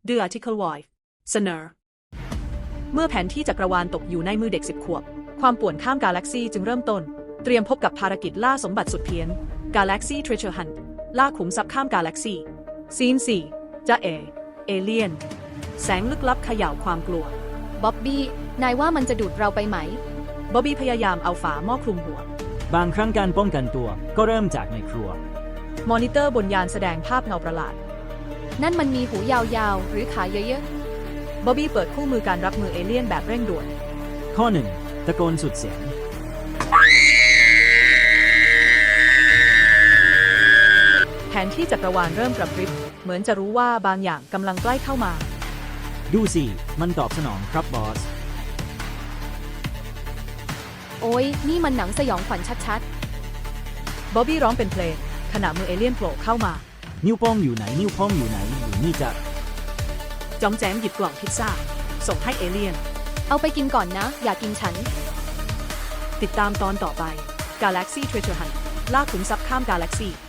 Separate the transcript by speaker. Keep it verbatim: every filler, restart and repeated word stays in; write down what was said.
Speaker 1: The Article Wife เสนอเมื่อแผนที่จักรวาลตกอยู่ในมือเด็กสิบขวบความป่วนข้ามกาแล็กซีจึงเริ่มต้นเตรียมพบกับภารกิจล่าสมบัติสุดเพี้ยน Galaxy Treasure Hunt ล่าขุมทรัพย์ข้ามกาแล็กซีซีนสี่จะเอเอเลียนแสงลึกลับเขย่าความกลัว
Speaker 2: บ๊อบบี้นายว่ามันจะดูดเราไปไหม
Speaker 1: บ๊อบบี้พยายามเอาฝาหม้อคลุมหัว
Speaker 3: บางครั้งการป้องกันตัวก็เริ่มจากในครัว
Speaker 1: มอนิเตอร์บนยานแสดงภาพเงาประหลาด
Speaker 2: นั่นมันมีหูยาวๆหรือขาเยอะ
Speaker 1: ๆบ๊อบบี้เปิดคู่มือการรับมือเอเลี่ยนแบบเร่งด่วน
Speaker 3: ข้อหนึ่งตะโกนสุดเสียง
Speaker 1: แผนที่จักรวาลเริ่มกระพริบเหมือนจะรู้ว่าบางอย่างกำลังใกล้เข้ามา
Speaker 3: ดูสิมันตอบสนองครับบอส
Speaker 2: โอ้ยนี่มันหนังสยองขวัญชัด
Speaker 1: ๆบ๊อบบี้ร้องเป็นเพลงขณะมือเอเลี่ยนโผล่เข้ามา
Speaker 3: นิ้วโป้งอยู่ไหนนิ้วโป้งอยู่ไหนอยู่นี่จะ
Speaker 1: จอมแจมหยิบกล่องพิซซ่าส่งให้เอเลี่ยน
Speaker 2: เอาไปกินก่อนนะอย่ากินฉัน
Speaker 1: ติดตามตอนต่อไป Galaxy Treasure Hunt ล่าขุมทรัพย์ข้ามกาแล็กซี